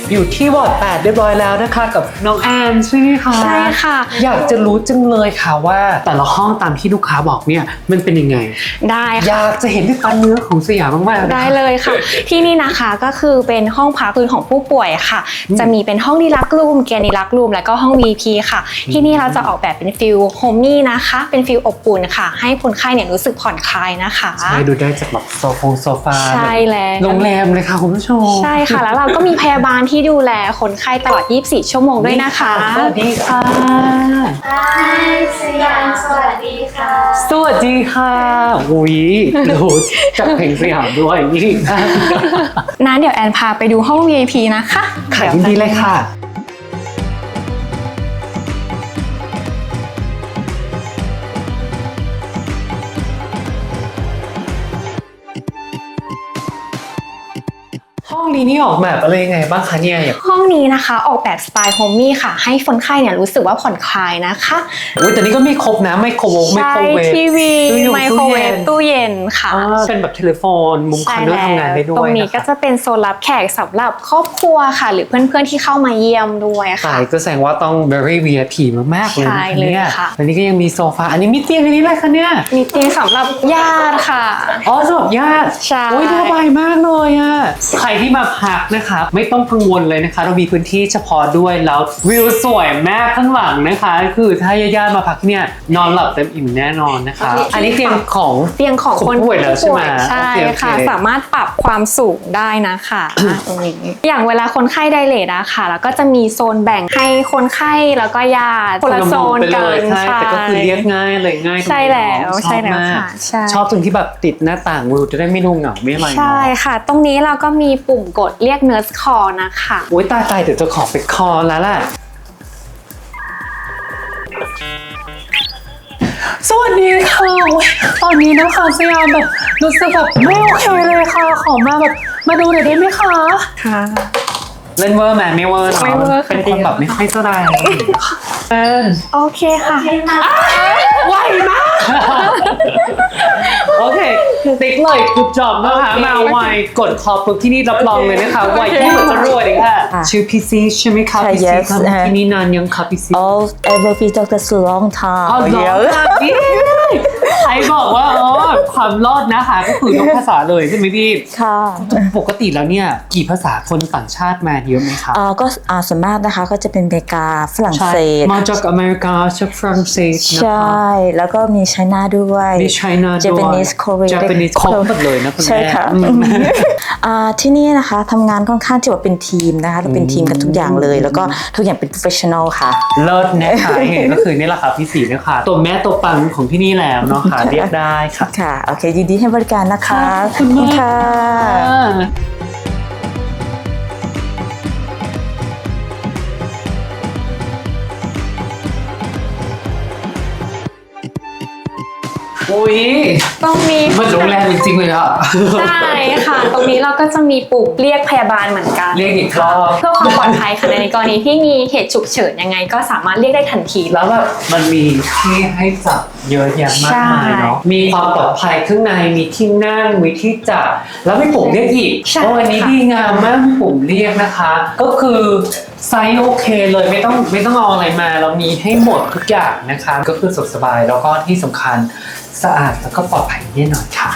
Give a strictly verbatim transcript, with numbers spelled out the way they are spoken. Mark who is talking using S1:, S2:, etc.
S1: อยู่ที่วอร์ดแปดเรียบร้อยแล้วนะคะกับน้องแอนใช่ไหมคะ
S2: ใช่ค่ะ
S1: อยากจะรู้จังเลยค่ะว่าแต่ละห้องตามที่ลูกค้าบอกเนี่ยมันเป็นยังไง
S2: ได้ค่ะ
S1: อยากจะเห็นด้วยตาเนื้อของสยามมากๆ
S2: ได้เลยค่ะที่นี่นะคะก็คือเป็นห้องพักพื้นของผู้ป่วยค่ะจะมีเป็นห้องดีลักซ์รูมแกรนิลักซ์รูมแล้วก็ห้อง วี พี ค่ะที่นี่เราจะออกแบบเป็นฟิลโฮมมี่นะคะเป็นฟิลอบอุ่นค่ะให้คนไข้เนี่ยรู้สึกผ่อนคลายนะคะ
S1: ใช่ดูได้จากแบบโซฟงโซฟา
S2: ใช่แล้ว
S1: โรงแรมเลยค่ะคุณผู้ชม
S2: ใช่ค่ะแล้วเราก็มีพยาบาลที่ดูแลคนไข้ตลอดยี่สิบสี่ชั่วโมงด้วยนะคะ
S1: สวัสดีค่ะ
S3: สยามสวัสดีค่ะ
S1: สวัสดีค่ะอุ้ยดูจากเพลงสยามด้วยนี่
S2: นั้นเดี๋ยวแอนพาไปดูห้อง วี ไอ พี นะคะ
S1: ขายดีเลยค่ะห้องนี้นี่ออกแบบอะไรยังไงบ้างคะเนี่ย
S2: ห้องนี้นะคะออกแบบสไตล์โฮมมี่ค่ะให้คนไข้เนี่ยรู้สึกว่าผ่อนคลายนะคะ
S1: อุ้ยแต่นี่ก็มีครบนะไมโครเวฟไมโครเวฟ
S2: ทีวีไมโครเวฟตู้เย็นค่ะ
S1: เป็นแบบเทเลโฟนมุมคอนโดทำงานได้ด้วย
S2: ตรงนี้ก็จะเป็นโซนรับแขกสำหรับครอบครัวค่ะหรือเพื่อนๆที่เข้ามาเยี่ยมด้วยค่ะ
S1: ก็แสดงว่าต้อง very วี ไอ พี มากๆเลยนะเนี่ยอันนี้ก็ยังมีโซฟาอันนี้มีเตียงอันนี้อะไรคะเนี่ย
S2: มีเตียงสำหรับญาติค่ะ
S1: อ๋อสำหรับญาติ
S2: ใช่
S1: โอ้ยสบายมากเลยอ่ะใครที่มาพักนะคะไม่ต้องกังวลเลยนะคะเรามีพื้นที่เฉพาะด้วยแล้ววิวสวยมากข้างหลังนะคะคือถ้าญาติๆมาพักที่เนี่ยนอนหลับเต็มอิ่มแน่นอนนะคะอันนี้เตียงของ
S2: เตียงของคน
S1: ป่วยแล้วใช่ไหม
S2: ใช่ค่ะสามารถปรับความสูงได้นะคะตรงนี้อย่างเวลาคนไข้ไดเลทอะค่ะแล้วก็จะมีโซนแบ่งให้คนไข้แล้วก็ญาติคนละโซนกัน
S1: ใช่แต่ก็คือเรียกง่ายเลยง่าย
S2: ใช่แล้วใช่แล้วค่ะ
S1: ชอบตรงที่แบบติดหน้าต่างวิวจะได้ไม่ดูเหงาไม่อะไร
S2: ใช่ค่ะตรงนี้เราก็มีปุ่มกดเรียกเนิร์สคอลนะคะ
S1: โอ้ยตายตายเดี๋ยวจะขอไปคอแล้วแหละสวัสดีค่ะตอนนี้นะคะสยามแบบรู้สึกแบบไม่โอเคเลยค่ะขอมาแบบมาดูหน่อยได้ไหมคะ
S2: ค่ะ
S1: เล่นเวอร์แมนไม่เวอร์เนาะเป็นคนแบบไม่ค่อยสบาย
S2: โอเคค่ะ
S1: ไวมากโอเคติ๊กเลยกุดจอบนะคะมาไวกดคอปุ๊บที่นี่รับรองเลยนะคะไวที่เหมือนจะรวยเลยค่ะชื่อพีซีใช่ไหมคะพีซีทำที่นี่นานยังคะพีซี
S3: Oh ever be doctor so long time
S1: อ๋อเหรอใครบอกว่าอ๋อความรอดนะคะก็คือทุกภาษาเลยใช่ไหมพี่
S3: ค่ะ
S1: ปกติแล้วเนี่ยกี่ภาษาคนต่างชาติมาเยอะไหมคะ
S3: อ่าก็อ่าส่วนมากนะคะก็จะเป็นอเมริกาฝรั่งเศส
S1: มาจากอเมริกาจากฝรั่งเศส
S3: ใช่แล้วก็มีไชน่าด้วย
S1: มีไชน่าด้วย
S3: Japanese Korea
S1: Japanese ครบหมดเลยนะคุณแม่
S3: ใช่ค่ะอ่าที่นี่นะคะทำงานค่อนข้างที่ว่าเป็นทีมนะคะเราเป็นทีมกันทุกอย่างเลยแล้วก็ทุกอย่างเป็น professional ค่ะ
S1: เลิศนะคะเห็นก็คือนี่แหละค่ะพี่สีนะคะตัวแม่ตัวปังของที่นี่แล้วเนาะค่ะเรียกได้ค่ะ
S3: ค่ะโอเคยินดีให้บริการนะคะ
S1: ขอบคุณมาก
S3: ค่ะ
S1: อุ้ย
S2: ตรงนี้
S1: มันโรงแรมจริงๆเลยอ่ะ
S2: ใช่ค่ะตรงนี้เราก็จะมีปุ่มเรียกพยาบาลเหมือนกัน
S1: เรียกอีกรอบ
S2: เพื่อความปลอดภัยค่ะในกรณีที่มีเหตุฉุกเฉินยังไงก็สามารถเรียกได้ทันที
S1: แล้วแบบมันมีที่ให้จับเยอะแยะมากมายเนาะมีความปลอดภัยข้างในมีที่นั่งมีที่จับแล้วมีปุ่มเรียกอีกโอ้อันนี้ดีงามมากมีปุ่มเรียกนะคะก็คือไซส์โอเคเลยไม่ต้องไม่ต้องเอาอะไรมาเรามีให้หมดทุกอย่างนะคะก็คือสะดวกสบายแล้วก็ที่สำคัญสะอาดแล้วก็ปลอดภัยแน่นอนค่ะ